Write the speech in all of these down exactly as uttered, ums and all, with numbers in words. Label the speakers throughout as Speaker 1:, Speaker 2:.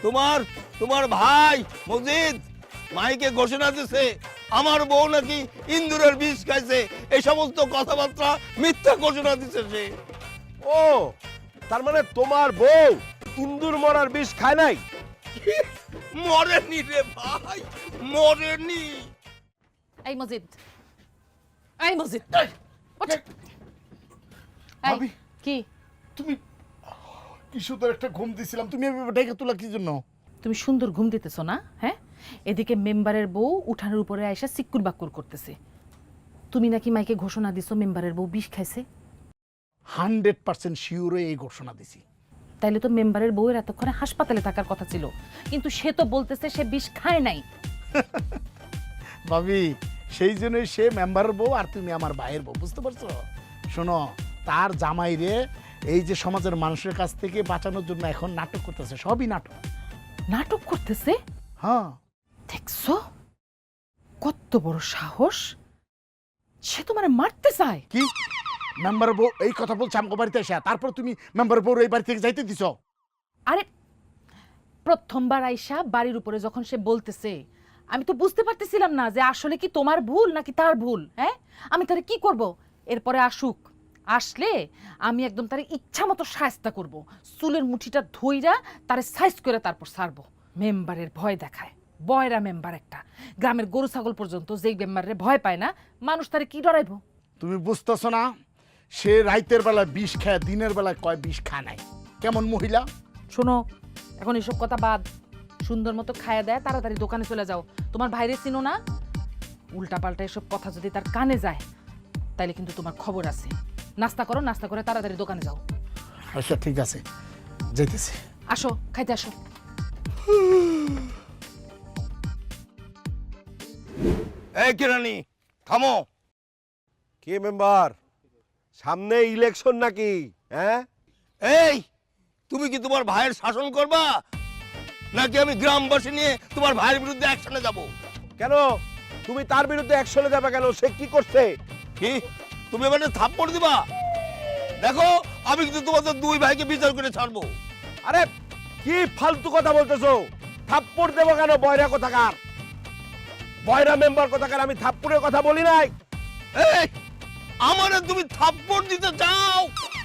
Speaker 1: তোমার তোমার ভাই মজিদ মাইকে ঘোষণা দিছে আমার বউ নাকি ইন্দুরের বিষ খাইছে। এই সমস্ত কথাবার্তা মিথ্যা ঘোষণা দিছে সে।
Speaker 2: ও তার মানে তোমার বউ ইন্দুর মরার বিষ খায় নাই?
Speaker 1: মরেনি রে ভাই, মরেনি।
Speaker 3: এই মজিদ, এই মজিদ, ওঠ। এই,
Speaker 4: ভাবি।
Speaker 3: কি
Speaker 4: তুমি কি সুন্দর একটা ঘুম দিছিলাম, তুমি এভাবে ডেকে তোলা কি জন্য?
Speaker 3: তুমি সুন্দর ঘুম দিতেছো না? হ্যাঁ, এদিকে মেম্বারের বউ উঠানের উপরে আইসা সিক্কুর বাক্কুর করতেছে। তুমি নাকি মাইকে ঘোষণা দিছো মেম্বারের বউ বিষ খাইছে।
Speaker 4: হান্ড্রেড পার্সেন্ট শিওরে এই ঘোষণা দিছি।
Speaker 3: তাইলে তো মেম্বারের বউয়ের এতক্ষণে হাসপাতালে থাকার কথা ছিল, কিন্তু সে তো বলতেছে সে বিষ খায় নাই।
Speaker 4: ভাবি সেই জন্যই সে মেম্বারের বউ আর তুমি আমার ভাইয়ের বউ, বুঝতে পারছো? শোনো, তার জামাই রে এই যে সমাজের মানুষের কাছ থেকে বাঁচানোর জন্য এখন নাটক করতেছে, সবই নাটক।
Speaker 3: নাটক করতেছে?
Speaker 4: হ্যাঁ।
Speaker 3: দেখছো কত বড় সাহস, সে তোমারে মারতে চায়।
Speaker 4: কি মেম্বারের বউ এই কথা বলছে আমগো বাড়িতে এসে, তারপর তুমি মেম্বারের বউ এই বাড়ি থেকে যাইতে দিছো?
Speaker 3: আরে প্রথমবার আইসা বাড়ির উপরে যখন সে বলতেছে, আমি তো বুঝতে পারতেছিলাম না যে আসলে কি তোমার ভুল নাকি তার ভুল। হ্যাঁ, আমি তারে কি করব? এরপরে আসুক, আসলে আমি একদম তারে ইচ্ছা মতো শায়েস্তা করব, চুলের মুঠিটা ধইরা তারে সাইজ করে তারপর ছাড়বো। মেম্বারের ভয় দেখায়, বয়রা মেম্বার একটা। গ্রামের গরু ছাগল পর্যন্ত যেই মেম্বারের ভয় পায় না, মানুষ তারে কি ডরাইবো?
Speaker 4: তুমি বুঝতেছো না, সে রাইতের বেলা বিষ খায়, দিনের বেলায় কয় বিষ খায় নাই। কেমন মহিলা!
Speaker 3: শোনো, এখন এসব কথা বাদ, সুন্দর মতো খায়া দেয় তাড়াতাড়ি দোকানে চলে যাও। তোমার ভাইরে চিনো না? উল্টা পাল্টা এসব কথা যদি তার কানে যায় তাইলে কিন্তু তোমার খবর আছে। নাস্তা করো, নাস্তা করে তাড়াতাড়ি দোকানে যাও।
Speaker 4: আচ্ছা ঠিক আছে, যাইতেছি।
Speaker 3: আসো, খাইতে আসো।
Speaker 1: এই কেরানি থামো।
Speaker 2: কে মেম্বার? সামনে ইলেকশন নাকি? হ্যাঁ,
Speaker 1: এই তুমি কি তোমার ভাইয়ের শাসন করবা নাকি আমি গ্রামবাসী নিয়ে তোমার ভাইয়ের বিরুদ্ধে অ্যাকশনে যাব?
Speaker 2: কেন তুমি তার বিরুদ্ধে অ্যাকশনে যাবে কেন? সে কি করছে?
Speaker 1: কি তুমি এবারে থাপ্পড় দিবা? দেখো আমি কিন্তু তোমাদের দুই ভাইকে বিচার করে ছাড়বো।
Speaker 2: আরে কি ফালতু কথা বলতেছো? থাপ্পড় দেবো কেন? বয়রা কোথাকার, বয়রা মেম্বার কোথাকার, আমি থাপ্পড়ের কথা বলি নাই।
Speaker 1: এই আমারে তুমি থাপ্পড় দিতে চাও?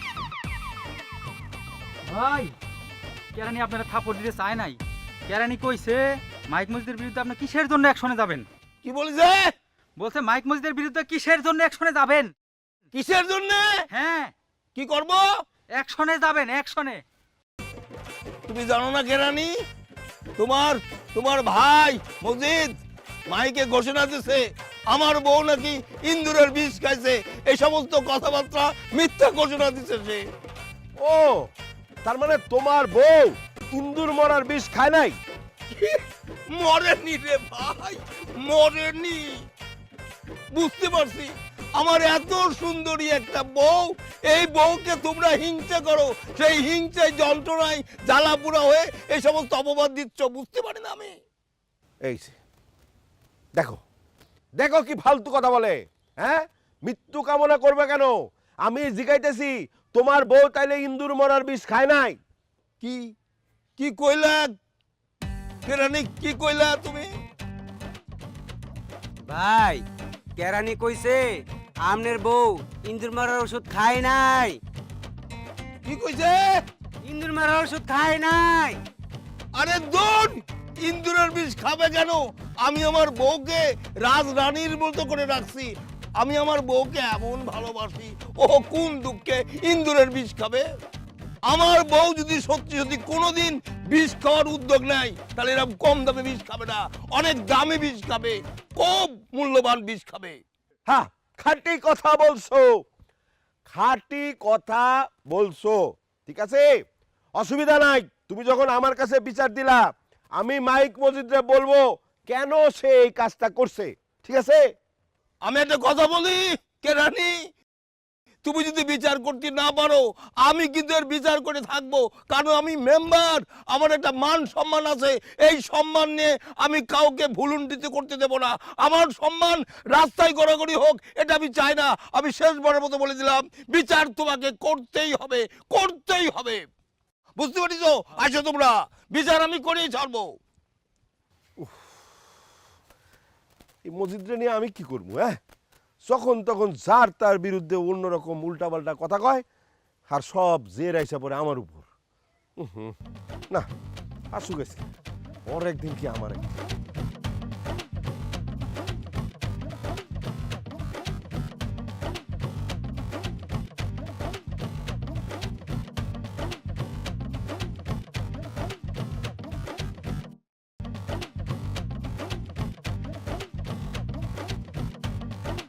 Speaker 5: ভাই, কেরানি আপনারা থাপ্পড় দিতে চায় নাই। কেরানি কইছে মাইক মসজিদের বিরুদ্ধে আপনি কিসের জন্য অ্যাকশনে যাবেন?
Speaker 1: কি বলিছে?
Speaker 5: বলছে মাইক মসজিদের বিরুদ্ধে কিসের জন্য অ্যাকশনে যাবেন?
Speaker 1: কিসের জন্য?
Speaker 5: হ্যাঁ,
Speaker 1: কি করব?
Speaker 5: অ্যাকশনে যাবেন, অ্যাকশনে।
Speaker 1: তুমি জানো না কেরানি, তোমার তোমার ভাই মজিদ মাইকে ঘোষণা দিছে আমার বউ নাকি ইন্দুরের বিষ খাইছে। এই সমস্ত কথাবার্তা মিথ্যা ঘোষণা দিছে সে।
Speaker 2: ও তার মানে তোমার বউ ইন্দুর মরার বিষ খায় নাই?
Speaker 1: মরেনি রে ভাই, মরেনি। বুঝতে পারছি আমার এত সুন্দরী একটা বউ, এই বউকে তোমরা হিংসা করো, সেই হিংসায় যন্ত্রণায় জ্বালাপুরা হয়ে এই সমস্ত অপবাদ দিচ্ছ। বুঝতে পারি না আমি।
Speaker 2: এই যে, দেখো দেখো কি ফালতু কথা বলে। হ্যাঁ, মৃত্যু কামনা করবে কেন? আমি জিগাইতেছি তোমার বউ তাইলে ইন্দুর মরার বিষ খায় নাই?
Speaker 1: কি কি কইলা কেরানি, কি কইলা তুমি?
Speaker 6: ভাই, কেরানি কইছে আমনের বউ ইন্দুর মারার ওষুধ খায় নাই।
Speaker 1: কি কইছে?
Speaker 6: ইন্দুর মারার ওষুধ খায় নাই।
Speaker 1: আরে দূর, ইন্দুরের বিষ খাবে কেন? আমি আমার বউকে রাজরানীর মতো করে রাখছি। আমি আমার বউকে এমন ভালোবাসি, ও কোন দুঃখে ইন্দুরের বিষ খাবে? আমার বউ যদি সত্যি সত্যি কোনোদিন বিষ খাওয়ার উদ্যোগ নেয় তাহলে এরকম কম দামে বিষ খাবে না, অনেক দামে বিষ খাবে, খুব মূল্যবান বিষ খাবে।
Speaker 2: হ্যাঁ, খাঁটি কথা বলছো, খাঁটি কথা বলছো, ঠিক আছে, অসুবিধা নাই। তুমি যখন আমার কাছে বিচার দিলা, আমি মাইক মসজিদে বলবো কেন সে এই কাজটা করছে, ঠিক আছে?
Speaker 1: আমি একটা কথা বলি কেরানি, তুমি যদি বিচার করতে না পারো আমি কিন্তু এর বিচার করে থাকবো, কারণ আমি মেম্বার, আমার একটা মান সম্মান আছে। এই সম্মান নিয়ে আমি কাউকে ভুলুণ্ঠিত করতে দেব না। আমার সম্মান রাস্তায় গড়াগড়ি হোক এটা আমি চাই না। আমি শেষবারের মতো বলে দিলাম, বিচার তোমাকে করতেই হবে, করতেই হবে। বুঝতে পারিছো? আসো তোমরা, বিচার আমি করেই ছাড়বো।
Speaker 2: এই মসজিদটা নিয়ে আমি কি করবো? হ্যাঁ, যখন তখন যার তার বিরুদ্ধে অন্যরকম উল্টাপাল্টা কথা কয়, আর সব জের আইসা পড়ে আমার উপর। উহুম, না আসুক গেছে, ওর একদিন কি আমার একদিন।